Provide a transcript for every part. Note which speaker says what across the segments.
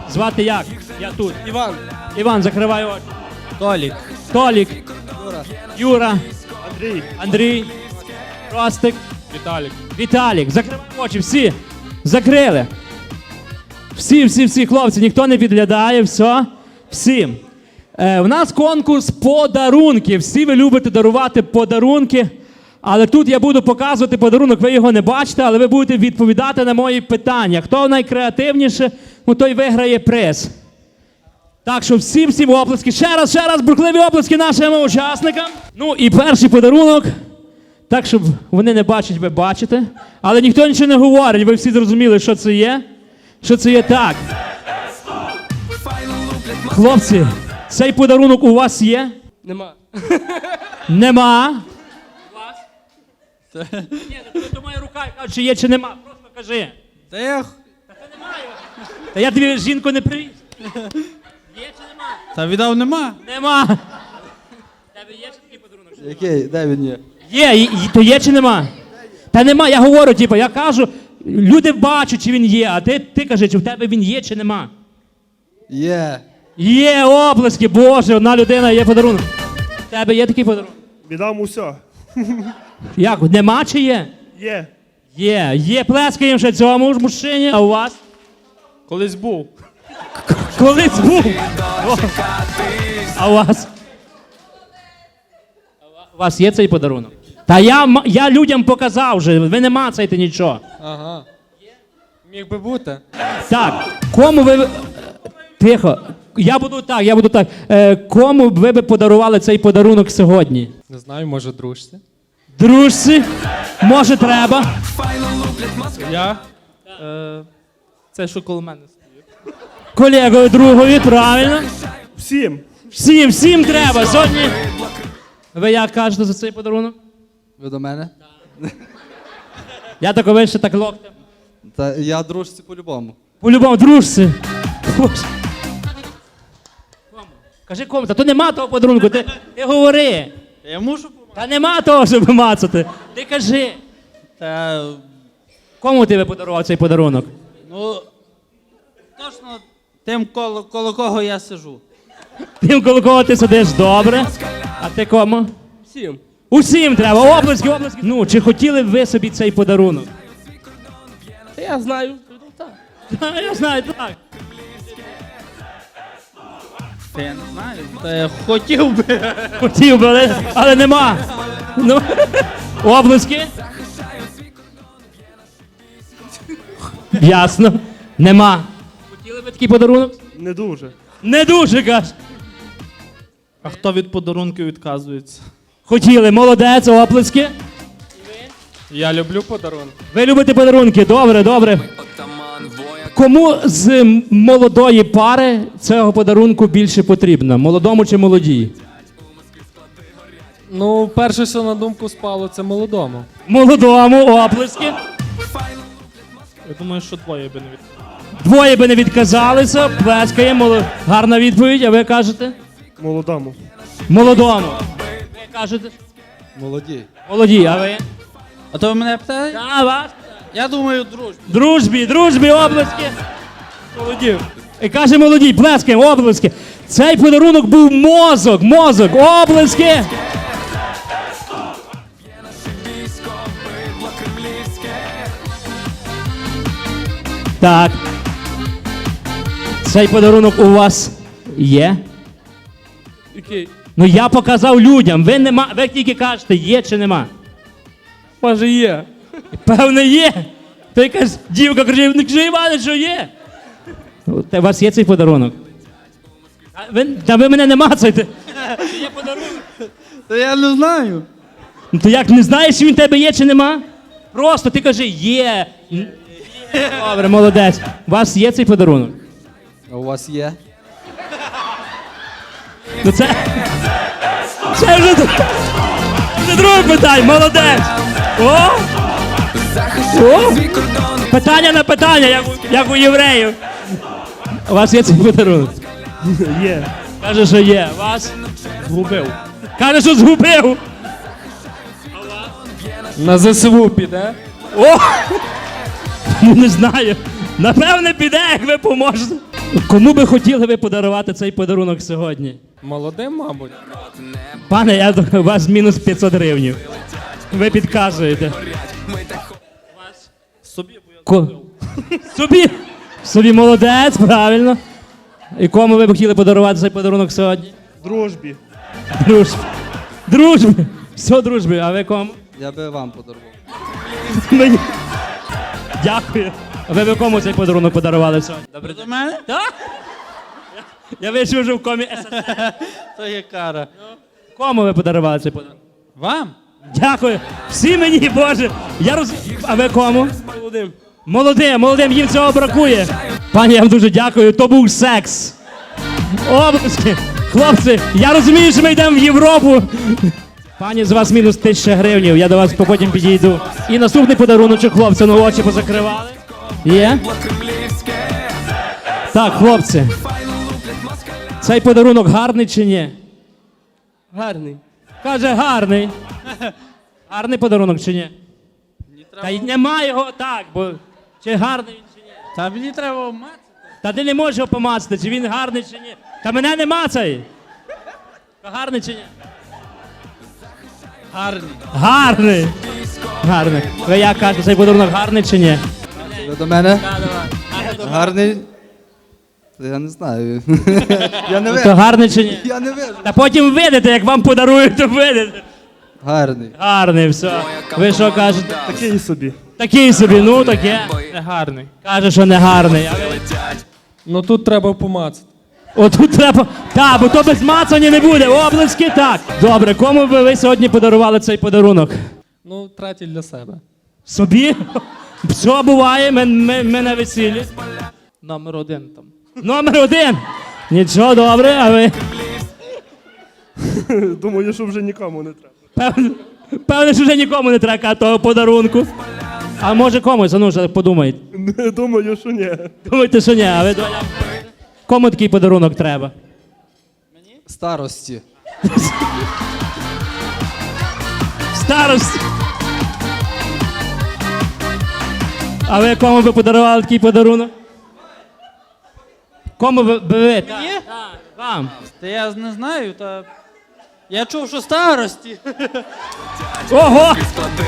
Speaker 1: Звати як? Я тут.
Speaker 2: Іван.
Speaker 1: Іван, закривай очі.
Speaker 2: Толік.
Speaker 1: Толік.
Speaker 2: Юра.
Speaker 1: Юра.
Speaker 2: Андрій.
Speaker 1: Андрій. Ростик.
Speaker 2: Віталік.
Speaker 1: Віталік. Закривай очі, всі. Закрили. Всі, хлопці, ніхто не підглядає, все. Всім. У нас конкурс подарунків. Всі ви любите дарувати подарунки. Але тут я буду показувати подарунок, ви його не бачите, але ви будете відповідати на мої питання. Хто найкреативніше, той виграє приз. Так що всім оплески. Ще раз, бурхливі оплески нашим учасникам. Ну і перший подарунок. Так, щоб вони не бачать, ви бачите. Але ніхто нічого не говорить, ви всі зрозуміли, що це є. Що це є так. Хлопці, цей подарунок у вас є?
Speaker 2: Нема.
Speaker 1: Нема. Ні, то моя рука, кажу, чи є, чи нема. Просто кажи.
Speaker 2: Та я...
Speaker 1: Та я тобі жінку не привіз. Є чи нема?
Speaker 2: Та віддав нема.
Speaker 1: Нема. Тебе є чи такий подарунок?
Speaker 2: Який? Де він є?
Speaker 1: Є, то є чи нема? Та нема, я говорю, я кажу, люди бачать, чи він є, а ти кажи, чи в тебе він є, чи нема.
Speaker 2: Є.
Speaker 1: Є, оплески, Боже, одна людина, є подарунок. В тебе є такий подарунок?
Speaker 3: Віддам усе.
Speaker 1: Як, нема чи є?
Speaker 3: Є.
Speaker 1: Є, плескаємо ще цьому ж мужчині, а у вас?
Speaker 2: Колись був.
Speaker 1: Колись був. О. А у вас? У вас є цей подарунок? Та я людям показав вже, ви не мацаєте нічого.
Speaker 2: Ага. Міг би бути.
Speaker 1: Так, кому ви... Тихо. Я буду так. Кому ви б подарували цей подарунок сьогодні?
Speaker 2: Не знаю, може дружці.
Speaker 1: Дружці? Може треба?
Speaker 2: Я? Це що коло мене стоїть.
Speaker 1: Колегою другові, правильно?
Speaker 3: Всім.
Speaker 1: Всім треба. Сьогодні... Ви як кажете за цей подарунок?
Speaker 4: Ви до мене?
Speaker 1: Я так вище, так локтем.
Speaker 4: Та я дружці по-любому.
Speaker 1: По-любому, дружці. Боже. Кажи кому, та то нема того подарунку, ти говори.
Speaker 2: Я можу помагати.
Speaker 1: Та нема того, щоб мацати. Ти кажи.
Speaker 2: Та...
Speaker 1: Кому ти би подарував цей подарунок?
Speaker 2: Ну... Точно тим, коло кого я сижу.
Speaker 1: Тим, коло кого ти сидиш, добре. А ти кому?
Speaker 2: Всім.
Speaker 1: Усім треба, оплески. Ну, чи хотіли б ви собі цей подарунок?
Speaker 2: Та я знаю. Так.
Speaker 1: Я знаю, так.
Speaker 2: Та я не знаю. Та я хотів би.
Speaker 1: Хотів би, але нема. Ну, оплески? Ясно. Нема. Хотіли би такий подарунок?
Speaker 3: Не дуже.
Speaker 1: Не дуже, каже.
Speaker 2: А хто від подарунків відказується?
Speaker 1: Хотіли, молодець, оплески.
Speaker 2: Я люблю подарунки.
Speaker 1: Ви любите подарунки, добре. Кому з молодої пари цього подарунку більше потрібно? Молодому чи молодій?
Speaker 5: Ну, перше, що на думку спало, це молодому.
Speaker 1: Молодому, оплески.
Speaker 2: Я думаю, що двоє би не відказали.
Speaker 1: Двоє би не відказалися, плескаємо. Гарна відповідь, а ви кажете?
Speaker 3: Молодому.
Speaker 1: Молодому. Ви кажете?
Speaker 4: Молоді.
Speaker 1: Молоді, а ви?
Speaker 2: А то ви мене питаєте?
Speaker 1: А вас?
Speaker 2: Я думаю, дружбі.
Speaker 1: Дружбі, оплески. Молоді. І каже молоді, плескаємо, оплески. Цей подарунок був мозок, оплески. Так. Цей подарунок у вас є?
Speaker 5: Який?
Speaker 1: Ну я показав людям, ви тільки кажете, є чи нема.
Speaker 5: Може є.
Speaker 1: Певне є. То якась дівка каже, не кажи, Іване, що є. У вас є цей подарунок? Та ви мене не мацайте. Є подарунок.
Speaker 2: Та я не знаю.
Speaker 1: Ну то як, не знаєш, чи він в тебе є чи нема? Просто ти кажи, є. Добре, молодець. У вас є цей подарунок?
Speaker 4: А у вас є?
Speaker 1: Ну це вже друге питання, молодець. О! Питання на питання, як у євреїв. У вас є цей подарунок?
Speaker 3: Є.
Speaker 1: Каже, що є. Вас?
Speaker 3: Згубив.
Speaker 1: Каже, що згубив.
Speaker 5: На ЗСУ піде.
Speaker 1: О! Ну не знаю. Напевне, піде, як ви поможете. Кому би хотіли ви подарувати цей подарунок сьогодні?
Speaker 5: Молодим, мабуть.
Speaker 1: Пане, я у вас мінус 500 гривень. Ви підказуєте.
Speaker 2: Собі
Speaker 1: Собі. Собі молодець, правильно. І кому ви б хотіли подарувати цей подарунок сьогодні?
Speaker 3: Дружбі.
Speaker 1: Дружбі. Дружбі. Все, дружбі. А ви кому?
Speaker 4: Я би вам подарував.
Speaker 1: Мені. Дякую. А ви б кому цей подарунок подарували сьогодні?
Speaker 2: добре до мене?
Speaker 1: Так? Я вийшов вже в комі СССР.
Speaker 2: То є кара.
Speaker 1: Кому ви подарували цей подарунок?
Speaker 2: Вам?
Speaker 1: Дякую. Всі мені, Боже. А ви кому?
Speaker 3: Молодим.
Speaker 1: Молодим, їм цього бракує. Пані, я вам дуже дякую. То був секс. Обласки. Хлопці, я розумію, що ми йдемо в Європу. Пані, з вас мінус 1000 гривень. Я до вас потім підійду. І наступний подаруночок, хлопці, ну очі позакривали. Є? Так, хлопці. Цей подарунок гарний чи ні?
Speaker 3: Гарний.
Speaker 1: Каже, гарний. Гарний подарунок чи ні? Та й немає його так, бо чи гарний він чи ні?
Speaker 2: Та мені треба мати.
Speaker 1: Та ти не можеш його помацати, чи він гарний чи ні. Та мене не мацай. Та гарний чи ні?
Speaker 2: Гарний.
Speaker 1: Гарний. Гарний. Ви як кажете, цей подарунок гарний чи ні?
Speaker 4: Ви до мене? Гарний. Я не знаю. Я не
Speaker 1: То
Speaker 4: вижу.
Speaker 1: гарний чи ні?
Speaker 4: Я не вижу.
Speaker 1: Та потім видите, як вам подарують, то видите.
Speaker 4: Гарний.
Speaker 1: Гарний, все. Ви що кажете?
Speaker 3: Такий собі.
Speaker 1: Такий собі, ну таке.
Speaker 5: Гарний.
Speaker 1: Каже, що не гарний. А ви...
Speaker 5: Ну тут треба помацати.
Speaker 1: Отут треба. Так, бо то без мацання не буде. Облески так. Добре, кому би ви сьогодні подарували цей подарунок?
Speaker 5: Ну, третій для себе.
Speaker 1: Собі? Все буває, ми на весіллі.
Speaker 5: Номер 1 там.
Speaker 1: Номер 1. Нічого, добре, а ви?
Speaker 3: Думаю, що вже нікому не треба.
Speaker 1: Певне, що вже нікому не треба того подарунку. А може комусь, а ну вже подумайте.
Speaker 3: Думаю, що ні.
Speaker 1: Думайте, що ні, а ви доля? Кому такий подарунок треба?
Speaker 4: Старості.
Speaker 1: Старость. А ви кому би подарували такий подарунок? Кому би ви? Так, вам.
Speaker 2: Та я не знаю, та. Я чув, що старості.
Speaker 1: Ого!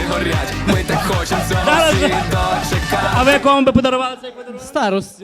Speaker 1: Зараз. А ви кому би подарували цей подарунок?
Speaker 5: Старості.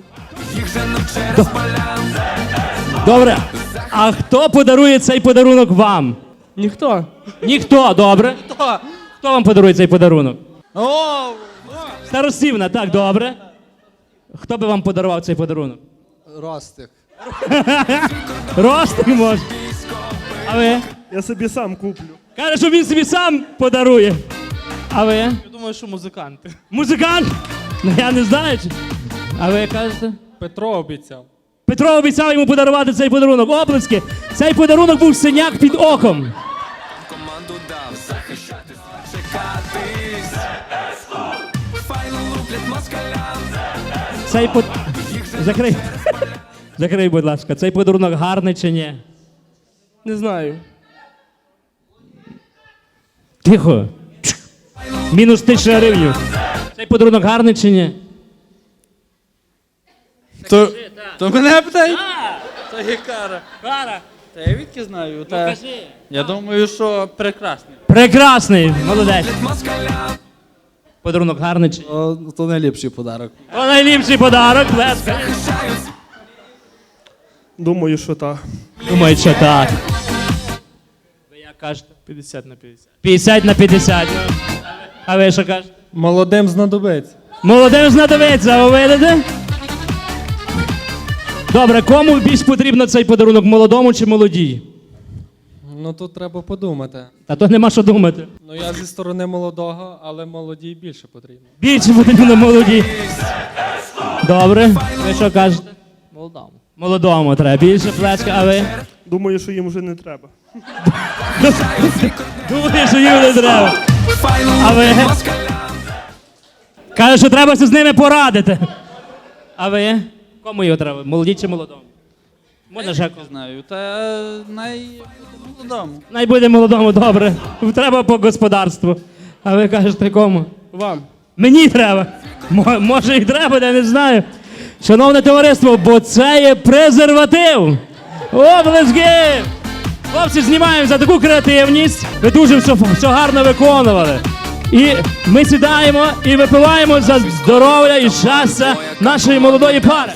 Speaker 1: Добре. А хто подарує цей подарунок вам?
Speaker 5: Ніхто.
Speaker 1: Ніхто, добре.
Speaker 2: Хто?
Speaker 1: Хто вам подарує цей подарунок?
Speaker 2: О,
Speaker 1: Старостівна, так, добре. Хто би вам подарував цей подарунок?
Speaker 4: Ростик.
Speaker 1: Ростик може. А ви?
Speaker 3: Я собі сам куплю.
Speaker 1: Каже, що він собі сам подарує. А ви?
Speaker 5: Я думаю, що музиканти.
Speaker 1: Музикант? Ну я не знаю. А ви кажете?
Speaker 5: Петро обіцяв.
Speaker 1: Петро обіцяв йому подарувати цей подарунок. Оплески. Цей подарунок був синяк під оком.
Speaker 6: Команду дав захищатись, чекатись. Файно луплять москалям.
Speaker 1: Цей под... Закрий. Закрий, будь ласка. Цей подарунок гарний чи ні?
Speaker 5: Не знаю.
Speaker 1: Тихо. Мінус 1000 гривень. Цей подарунок гарний чи ні?
Speaker 2: то мене питають? Та є кара.
Speaker 1: Кара.
Speaker 2: Та я відки знаю, та. Я думаю, що прекрасний.
Speaker 1: Прекрасний. Молодець. Подарунок гарний чи ні?
Speaker 4: То найліпший подарок.
Speaker 1: О, найліпший подарок. Леска.
Speaker 3: Думаю, що так.
Speaker 1: Думаю, що так. Ви як кажете?
Speaker 5: 50 на 50.
Speaker 1: 50 на 50. А ви що кажете?
Speaker 5: Молодим знадобиться.
Speaker 1: Молодим знадобиться, ви видите? Добре, кому більш потрібно цей подарунок, молодому чи молодій?
Speaker 5: Ну тут треба подумати.
Speaker 1: Та то нема що думати.
Speaker 5: Ну я зі сторони молодого, але молодій більше потрібно.
Speaker 1: Більше потрібно молодій. Добре, ви що кажете?
Speaker 5: Молодому.
Speaker 1: Молодому треба. Більше плеска, а ви?
Speaker 3: Думаю, що їм вже не треба.
Speaker 1: Думаю, що їм не треба. А ви? Каже, що треба з ними порадити. А ви? Кому його треба? Молоді чи молодому? Можна ще
Speaker 2: Не знаю, та молодому.
Speaker 1: Най буде молодому, добре. Треба по господарству. А ви кажете кому?
Speaker 5: Вам.
Speaker 1: Мені треба. Може і треба, я не знаю. Шановне товариство, бо це є презерватив. Облески! Хлопці, знімаємо за таку креативність. Ви дуже все гарно виконували. І ми сідаємо і випиваємо за здоров'я і щастя нашої молодої пари.